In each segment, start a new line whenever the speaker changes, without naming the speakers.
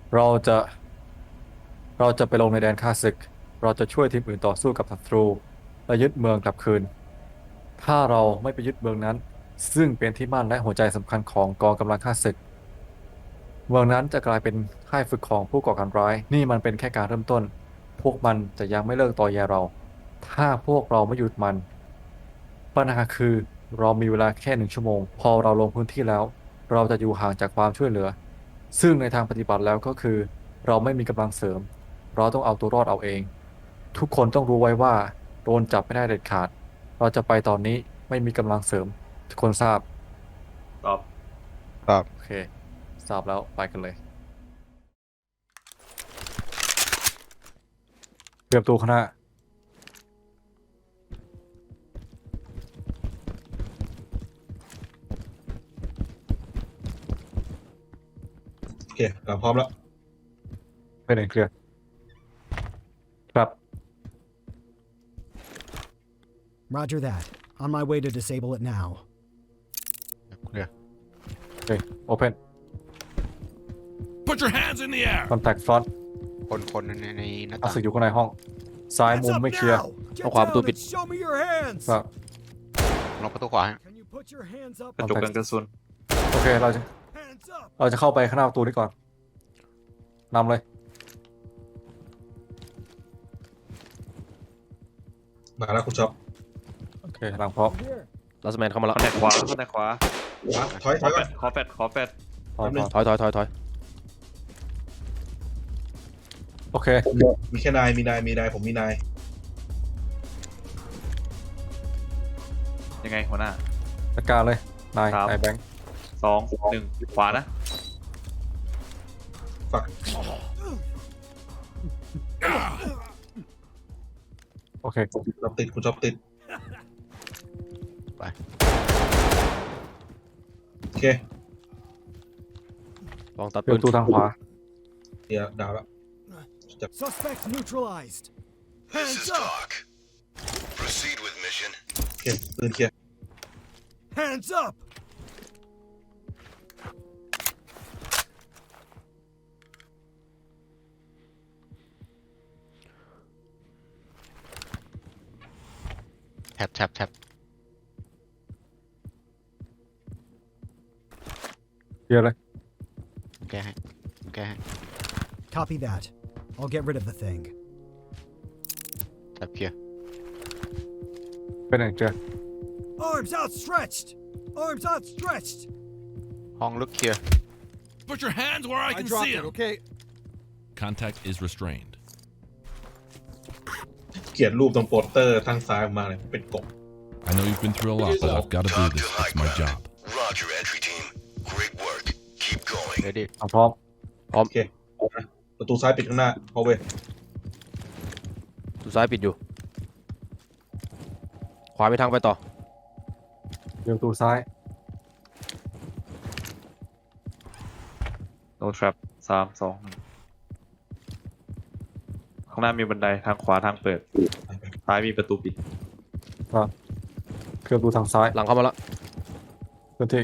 เราจะเราจะไปลงในแดนข้าศึกเราจะช่วยทีมอื่นต่อสู้กับศัตรูและยึดเมืองกลับคืนถ้าเราไม่ไปยึดเมืองนั้นซึ่งเป็นที่มั่นและหัวใจสำคัญของกองกำลังข้าศึกเมืองนั้นจะกลายเป็นค่ายฝึกของผู้ก่อการร้ายนี่มันเป็นแค่การเริ่มต้นพวกมันจะยังไม่เลิกต่อแยเราถ้าพวกเราไม่หยุดมันปัญหาคือเรามีเวลาแค่1 ชั่วโมงพอเราลงพื้นที่แล้วเราจะอยู่ห่างจากความช่วยเหลือซึ่งในทางปฏิบัติแล้วก็คือเราไม่มีกำลังเสริมเราต้องเอาตัวรอดเอาเองทุกคนต้องรู้ไว้ว่าโดนจับไม่ได้เด็ดขาดเราจะไปตอนนี้ไม่มีกำลังเสริมทุกคนทราบ
ตอบ
ครับ
โอเคทราบแล้วไปกันเลยเตรียมตัวข้างหน้า
โอเคเราพร้อมแล้ว
ไปไหนเคลียร์ครับ
Roger that. On my way to disable it now.
เคลียร์
โอเค open
Put your hands in the air.
contact front
คนในหน้า
ข้า
ต่าง
ศึกอยู่ข้างในห้องซ้าย
Hands
มุม
up
ไม่เคลียร์
now! Get
Không khóa
down
tôi
and
bịt.
show me your hands!
ครับ
ลองประตูขวาฮะ
Can you put your hands up?
กระจกกันกระสุน
โอเคเราจะ
Hands up!
เข้าไปข้างหน้าประตูนี้ก่อนนำเลย
มาแล้วคุณช็อป
โอเคหลังพร้อม
Here.
ลัสแมนเข้ามาแล้ว
คอนแทคขวาคอนแทคขวา
มาถอย
ข
ถ
อ
อย
แฟ
ก่อ
ด
น
ขอแฟดขอแฟด
พร้อม
แป๊บนึง
พร้อม
ถอย
โอเค
มีแค่นายมีนายผมมีนาย
ยังไงหัวหน้า
จัดการเลยนาย
ครับ
นายแบงค์
2 1 ขวานะ
ฝัก
โอเค
คุณช็อปติดคุณช็อปติด
ไป
โอเค
ลองตัด
เปิด
ปื
ประตู
น
ทางขวา
เดี๋ยวดาวแล้ว
Suspect neutralized.
This
Hands
is
up!
talk. Proceed with mission.
โอเคปืนเคลียร์
Hands up!
แท็บ
เคลียร์เลย
แก้ให้
Copy that. I'll get rid of the thing.
แท็บเคลียร์
ไปไหนเจอ
Arms outstretched! Arms outstretched!
ห้องลึกเคลียร์
Put your hands where I can see them.
okay?
Contact is restrained.
เกลียดรูปตรงโปสเตอร์ทางซ้ายออกมาเลยเป็นกบ
I know you've been through a lot, but I've got to do
Talk
this.
to high
It's my
ground.
job.
Roger, entry team. Great work. Keep going.
เดี๋ยวดิ
พร้อม
พร้อม
โอเคนะประตูซ้ายปิดข้างหน้าพอเว้ย
ดูซ้ายปิดอยู่ ขวาไปทางไปต่อ
เดี๋ยวประตูซ้าย
no trap 3 2 1ข้างหน้ามีบันไดทางขวาทางเปิดซ้ายมีประตูปิด
ครับเคลียร์ประตูทางซ้าย
หลังเข้ามาแล้ว
พื้นที่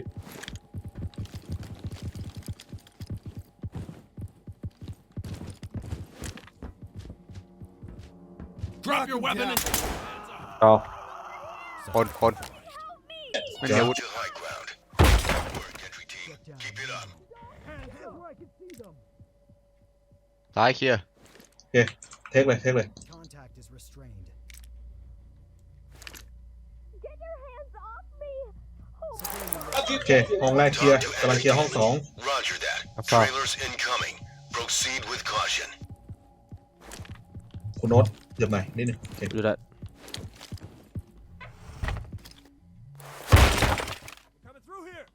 Drop your weapon and
เรา
คนไม่มีอาวุธ
To high ground. Good work, entry team. Keep it up.
Hands up where I can see them.
ซ้ายเคลียร์
โอเคเทคเลย
Contact is restrained.
Get your hands off me!
โอเคห้องแรกเคลียร์กำลังเคลียร์ห้องสอง
Roger that.
That's all.
Trailers incoming. Proceed with caution.
คุณโน้ตเหยียบหน่อยนิดนึงโอเค
ดูได้
Coming through here!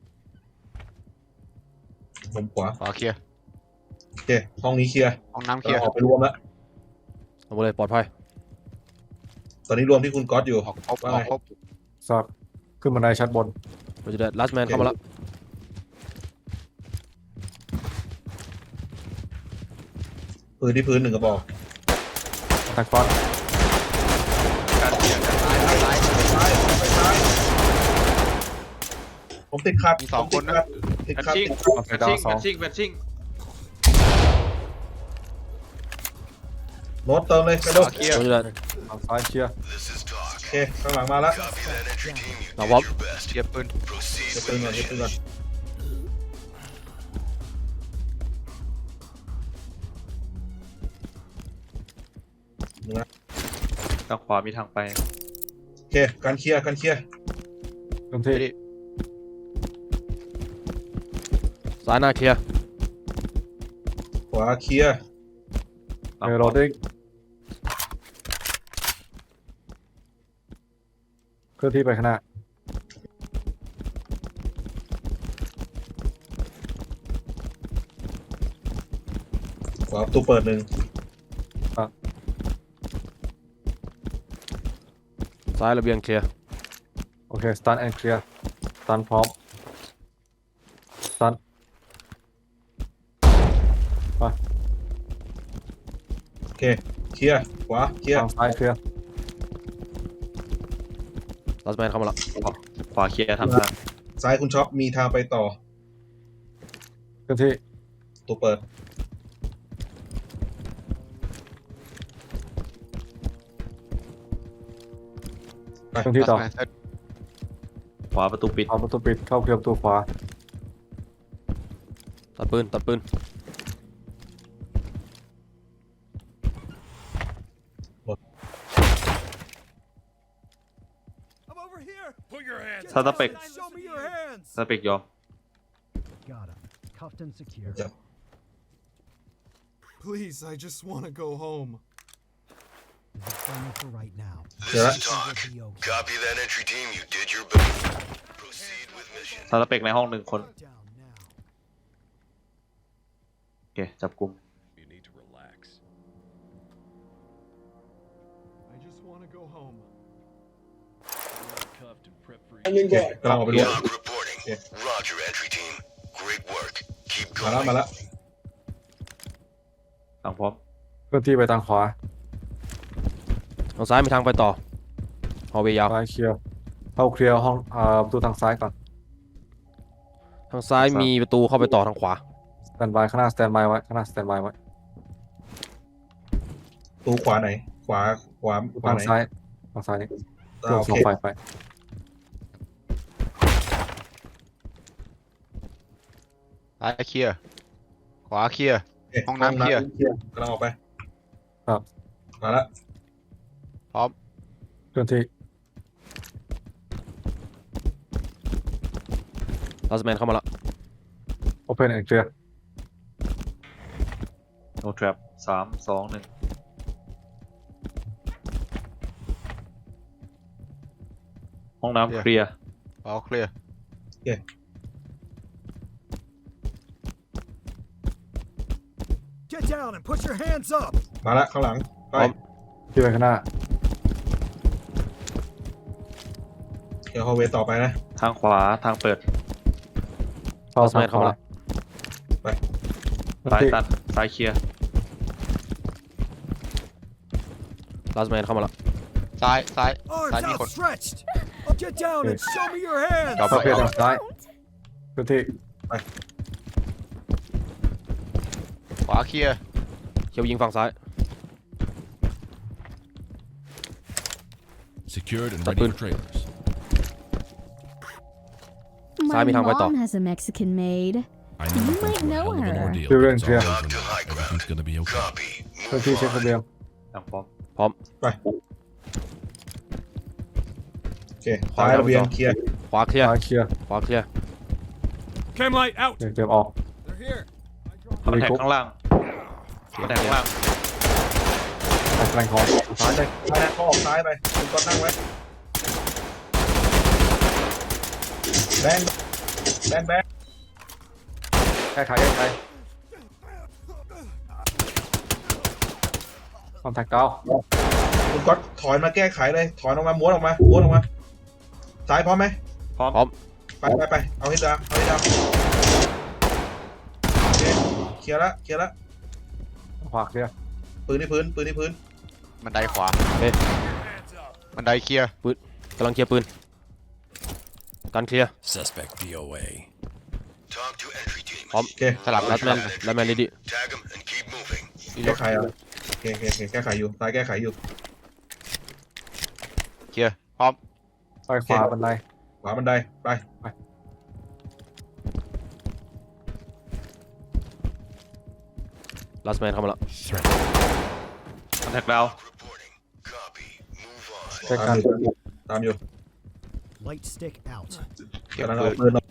มุมขวา
ขวาเคลียร์
โอเคห้องนี้เคลียร์
ห้องน้ำเคลียร์
ออกไปรวมแล้ว
เอาหมดเลยปลอดภัย
ตอนนี้รวมที่คุณก๊อตอยู่
ออกครบ
ว่า
อ
ไง
อกครบ
ทราบขึ้นบันไดชั้นบน
เราจะได้ลัสแมนเข้ามาแล้ว
ปืนที่พื้นหนึ่งกระบอก
contact front
ผมติดขัด
มีสองคนนะ
ติด
แบท
ขัด
ชิ่ง
โอเค
แบท
ดาว
ชิ่ง
สอง
แบทชิ่ง
โน้ตเติมเลยไปดู
ขวาเคลียร์
โดนอยู่แล้ว
ทางซ้ายเคลียร์
This is talk.
โอเคข้างหลังมาแล้ว
Copy that entry team. You
เรา
did
พร้อม
your best.
เคลียร์ปืน
Proceed
เก็บ
with
ปืนก่อนเก็บ
mission.
ปืนก่อนมึงนะ
ทางขวามีทางไป
โอเคการเคลียร์การเคลียร์
เริ่มที่
ซ้ายหน้าเคลียร์
ขวาเคลียร์
เออโรดดิ้งเคลื่อนที่ไปข้างหน้า
ขวาประตูเปิดหนึ่ง
ซ้ายระเบียงเคลียร์
โอเคสตันแอนเคลียร์สตันพร้อมสตันไป
โอเคเคลียร์ขวาเคลียร์
ทางซ้ายเคลียร์
ลัสแมนเข้ามาละ
ขวาเคลียร์ทางทาง
ซ้ายคุณช็อปมีทางไปต่อ
เคลื่อนที่
ประตูเปิดไป
เคลื่อนที่ต่อ
ลัสแมนเซต
ขวาประตูปิด
เอาประตูปิดเข้าเคลียร์ประตูขวา
ตัดปืนตัดปืน
I'm over here.
Put your hands
ซาตาเป็ก
Show me your hands.
ซาตาเป็กยอม
Got him. Cuffed and secure.
Yep.
Please, I just want to go home.
This is only for right now.
This
Yeah.
is talk.
It'll be okay.
Copy that entry team. You did your best. Proceed with mission.
ซาตาเป็กในห้องหนึ่งคน
Down now.
โอเคจับกลุ่ม
You need to relax.
I just want to go home.
Cuffed and prep for
โอเคกำลังออกไปดู
Log reporting.
Yeah.
Roger, entry team. Great work. Keep
มาแล้ว
going.
มาแล้ว
ทางพร้อม
เคลื่อนที่ไปทางขวา
ทางซ้ายมีทางไปต่อฮอลเวย์ยาว
ซ้ายเคลียร์เข้าเคลียร์ห้องประตูทางซ้ายก่อน
ทางซ้ายมีประตูเข้าไปต่อทางขวา
สแตนบายข้างหน้าสแตนบายไว้ข้างหน้าสแตนบายไว้
ประตูขวาไหน ขวาขวาขวา
ทาง
ไหน
ซ้ายทางซ้ายนี่
อ่า
โย
โอก
สอง
เค
ไฟไป
ซ้ายเคลียร์ขวาเคลียร์
โอเค
ห้องน้ำเคลียร์
กำลังออกไป
ครับ
มาแล้ว
พร้อม
เคลื่อนที่
ลัสแมนเข้ามาละ
open and clear
no trap 3 2 1ห้องน้ำเคลียร์
ขวาเคลียร์
Get down and put your hands up.
มาแล้วข้างหลังไป
ที่ไปข้างหน้า
เดี๋ยวฮอลเวย์ต่อไปนะ
ทางขวาทางเปิด
เข้า
ลัส
ทา
แม
ง
น
ข
เข้ามาว
า
ละ
ซ้าย
ที่
ตันซ้ายเคลียร์
ลัสแมนเข้ามาละซ้ายซ้าย
Arms
Side, Nico.
outstretched. Get down and show me your hands.
ครับ
เข้าเคลียร์ทางซ้ายเคลื่อนที่
ขวาเคลียร์เขียวยิงฝั่งซ้าย
Secured and
Stop
ready
in.
for trailers.
My
Sabi ng kwento.
mom has a Mexican maid.
I know
You
you've been
might
through a
know
hell of an
her.
ordeal,
Clear
but
and
it's
clear.
all over
Talk to
now.
high ground.
Everything's gonna be okay.
Copy.
เคลื่อน
Move
ที่เช็คระ
on.
เบียง
ทางพร้อม
พร้อม
ไปโอเคซ้ายระเบียงเคลียร์
ขวาเคลียร์
ซ้ายเคลียร์
ขวาเคลียร์
Cam light out.
เตรียมออก
They're here.
คอนแทคข้างล่างคอนแทคข้างล่าง
ไปแฟลงของซ้ายเลย
ซ้ายนะเขาออกซ้ายไปคุณก็นั่งไว้แบงแบงแบง
แก้ไขแก้ไขคอนแทคเก้า
คุณก็ถอยมาแก้ไขเลย ถอยออกมาม้วนออกมาม้วนออกมา ซ้ายพร้อมไหม
พร้อม
พร้อม
ไป เอาให้ดาวเอาให้ดาวโอเคเคลียร์ละเคลียร์ละ
ขวาเคลียร์
ปืนที่พื้นปืนที่พื้น
บันไดขวาเฮ้ยบันไดเคลียร์ปืนกำลังเคลียร์ปืนกันเคลียร์
Suspect DOA.
Talk to entry team.
พร้อม
โอเค
สลับลัสแมนลัสแมนดี
Tag them and keep moving.
รีโหล
แก้
ด
ไขเอาโอเคแก้ไขอยู่ซ้ายแก้ไขอยู่
เคลียร์พร้อม
ไปขวาบันได
ขวาบันไดไป
last man เข้ามาแล้ว
คอนแทคดาว
Reporting. Copy. Move on.
ใช้การ
ตามอยู่
Light stick out.
เก็บ
กำลัง
ปื
เอา
น
ปืนออก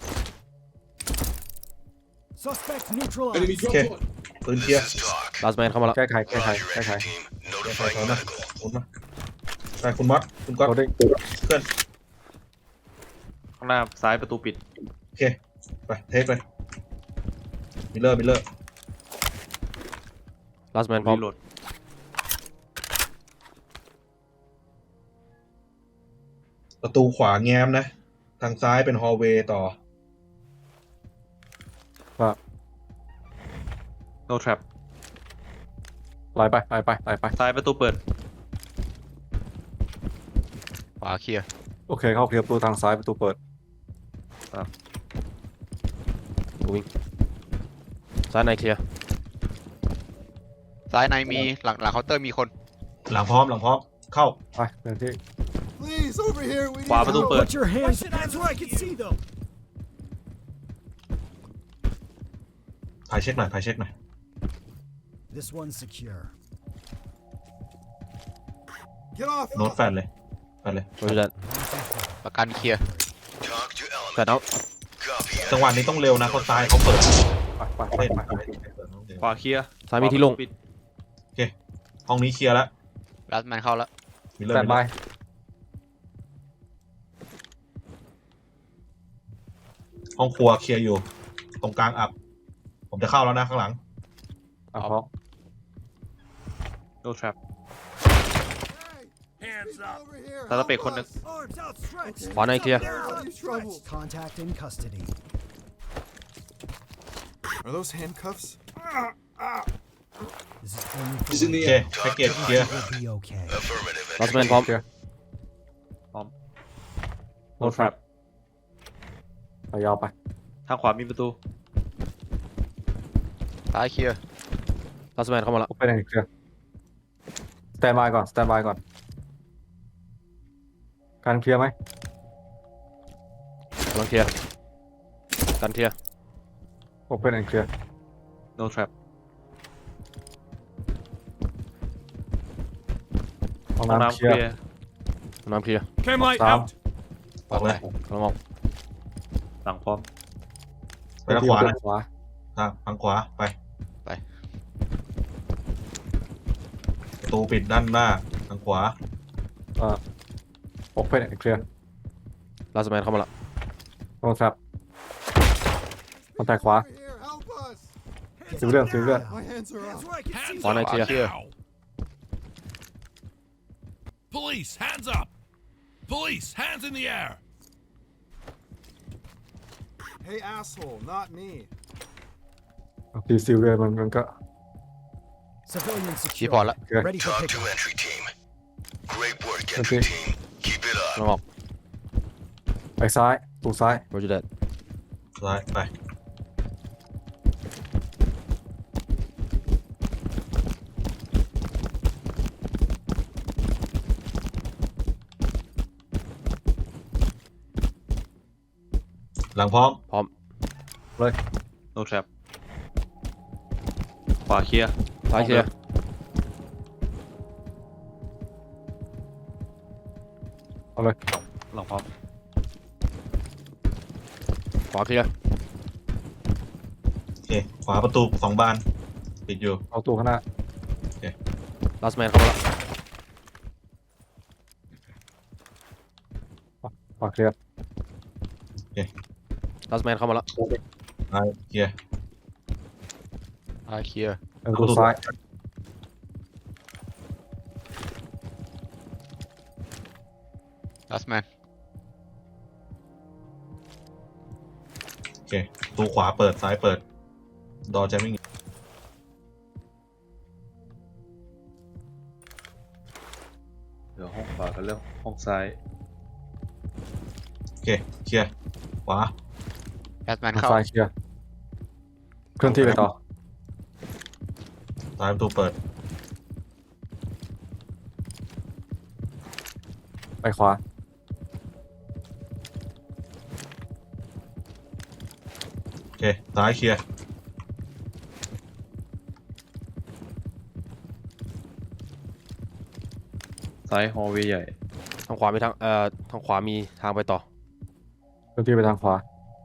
Suspect neutralized.
โอเคปืนเคลียร์
This is talk.
last man เข้ามาแล้ว
แก้ไข
Roger, entry team.
ใส่
Notifying
ถอยมา
medical.
หมุนมาไปคุณมอสคุณก๊อต
โคดิ้ง
เคลื่อน
ข้างหน้าซ้ายประตูปิด
โอเคไปเทคไปมิลเลอร์
last man พร้อม
รีโหลด
ประตูขวาแง้มนะ ทางซ้ายเป็นฮอลเวย์ต่อ
ว่า
no trap
ไหลไป
ซ้ายประตูเปิด
ขวาเคลียร์
โอเคเข้าเคลียร์ประตูทางซ้ายประตูเปิด
วิ่งซ้ายในเคลียร์
ซ้ายในมีหลังเคาน์เตอร์มีคน
หลังพร้อมเข้า
ไปเดินที่
Please, over here. We
ขวา
need
ประตู
help.
เปิด
Put your hands where I can see them.
พายเช็คหน่อย
This one's secure.
Get off.
โน้ตแฟนเลย
roger that
ประกันเคลียร์
Talk to element.
flat out
Copy.
จังหวะนี้ต้องเร็วนะคนซ้ายเขาเปิด
ไป
ขวาเคลียร์
ซ้ายมีที่โล่ง
ขวาประตูปิด
ห้องนี้เคลียร์แล้ว
ลัสแมนเข้าแล้ว
มิลเลอ
แต
ร์
นบาย
ห้องครัวเคลียร์อยู่ ตรงกลางอับ ผมจะเข้าแล้วนะข้างหลัง
อ่ะพร้อม
no trap
Hands up.
Over here.
ตาตะเป็ดคนหนึง
Arms outstretched.
ขวาในเคลียร์
Everybody's trouble.
Contact in custody.
Are those handcuffs?
This is only
โอ
for
เคแพ็กเกจเคลียร์
will be okay.
Affirmative.
last man พร้อม
เคลียร์
no trap
ไปยาวไป
ทางขวามีประตู
ซ้ายเคลียร์
last man เข้ามาแล้ว
โอเปนแอนด์เคลียร์สแตนบายก่อนการเคลียร์ไหม
กำลังเคลียร์กันเคลียร์
โอเปนแอนด์เคลียร์
no trap
ห้อง
ห้อง
น้ำ
น้ำ
เค
เค
ลีย
ลี
ร์
ยร์
น้ำเคลียร์
Cam light
Sam.
out.
ออกเลย
กำลังออก
หลังพร้อม
ไปทางขวานะ
ขวา
ทางขวาไปประตูปิดด้านหน้าทางขวา
โอเปนแอนด์เคลียร์
last man เข้ามาแล้ว
โน้ตครับคนแต่ขวา
Over here. Help us.
Civilian.
My hands are
Hands
up.
where I can see
Hands
ขวาใน
up
เคลียร์
now. Police, hands up. Police, hands in the air.
Hey, asshole, not me.
ทีซิลเรียมันก็
Civilian
รีพอร์ต
secure.
แล้ว
Ready for
Talk to
pickup.
entry team. Great work,
Okay.
entry team. Keep it
กำลัง
up.
ออก
ไปซ้ายตูซ้าย
roger that
ซ้ายไปหลังพร้อม
พร้อม
no trap ขวาเคลียร์
ซ้ายเคลียร์
เอาเลย
หลังพร้อม
ขวาเคลียร์
โอเค ขวาประตู2 บาน ปิดอยู่
เอาตัวข้างหน้า
last man เข้ามาแล้ว
ขวาเคลียร์
last man เข้ามาแล้ว
ซ้ายเคลียร์
ซ้ายเคลียร์
ประตูซ้าย
ลัสแมน
โอเคประตูขวาเปิดซ้ายเปิด ดอร์แจมิ่ง
เดี๋ยวห้องขวากันเร็วห้องซ้าย
โอเค เคลียร์ ขวา
ลัสแมน
ทาง
เข้า
ซ้ายเคลียร์เคลื่อนที่ไปต่อ
ซ้ายประตูเปิด
ไปขวา
โอเคซ้ายเคลียร์
ซ้ายฮอลเวย์ใหญ่
ทางขวามีทางขวามีทางไปต่อ
เคลื่อนที่ไปทางขวา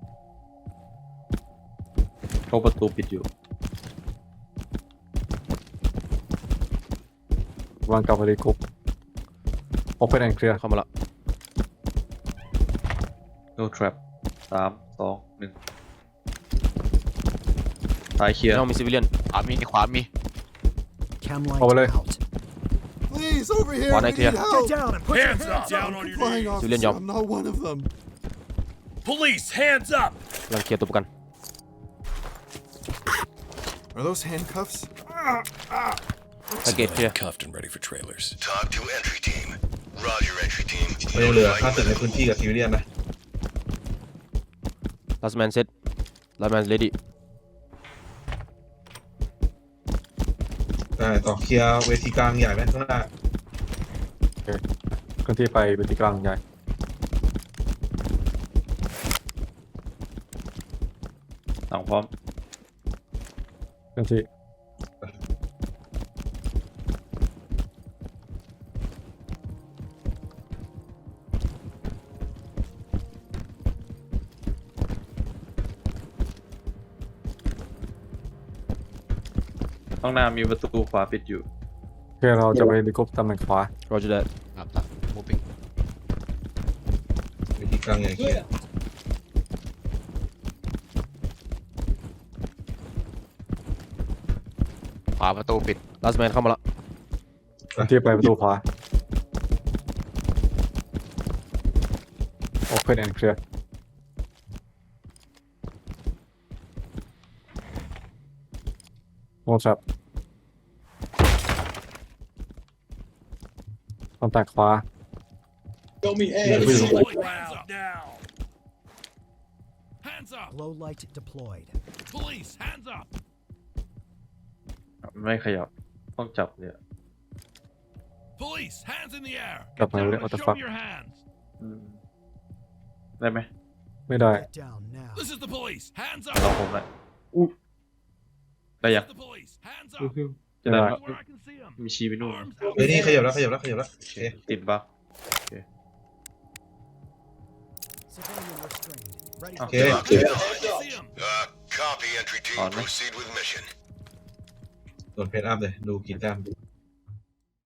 เข้าประตูปิดอยู่
วางกับอริกุป Open and clear
เข้ามาละ
no trap 3 2 1ซ้ายเคลียร์
ในห้องมีซิวิเลียน
ขวามีขวามี
Cam light
Over there.
out.
Please, over here.
One
We
idea.
need
Get
help.
down and put your
Hands
hands
up. Down
up.
on your
Flying
knees.
officer,
Civilian job.
I'm not one of them.
Police, hands up.
กำลังเคลียร์ตัวประกัน
Are those handcuffs?
ตะเกตเคลียร์
Cuffed and ready for trailers.
Talk to entry team. Roger, entry team.
ไม่ต้องเหลือค่าศึกในพื้นที่กับซิวิเลียนนะ
last man set last man ready
ได้ต่อเคลียร์เวทีกลางใหญ่ไหมข้างหน้า
เคลื่อนที่ไปเวทีกลางใหญ่
หลังพร้อม
เคลื่อนที่
ข้างหน้ามีประตูขวาปิดอยู่
โอเคเราจะไปอริกุปตำแหน่งขวา
roger that
ครับครับ moving
เวทีกลางใหญ่เคลียร์
ขวาประตูปิด
last man เข้ามาละ
เคลื่อนที่ไปประตูขวา Open and clear No trap คอนแทคขวา
Hands up now. Hands up.
Glow light deployed.
Police, hands up.
ไม่ขยับ ต้องจับเนี่ย
Police, hands in the air.
Up my
Get down
way,
and
what the
show
fuck?
me your hands.
อืมได้ไหม
ไม่ได้
Get down now.
This is the police. Hands
ลอง
up.
ผมหน่อยได้ยัง
This is the police. Hands
อื้อ
up.
หือ
จะได้
ได้
ไหม
Where I can see them.
มีชี้ไปนู่น
Arms out.
เฮ้ยนี่ขยับแล้วโอเค
ติดบั๊ก
Civilian restrained. Ready
โอ
for
เค
I can see them.
Copy, entry team.
On me.
Proceed with mission.
ส่วนเพจอัพเลยดูกินแต้ม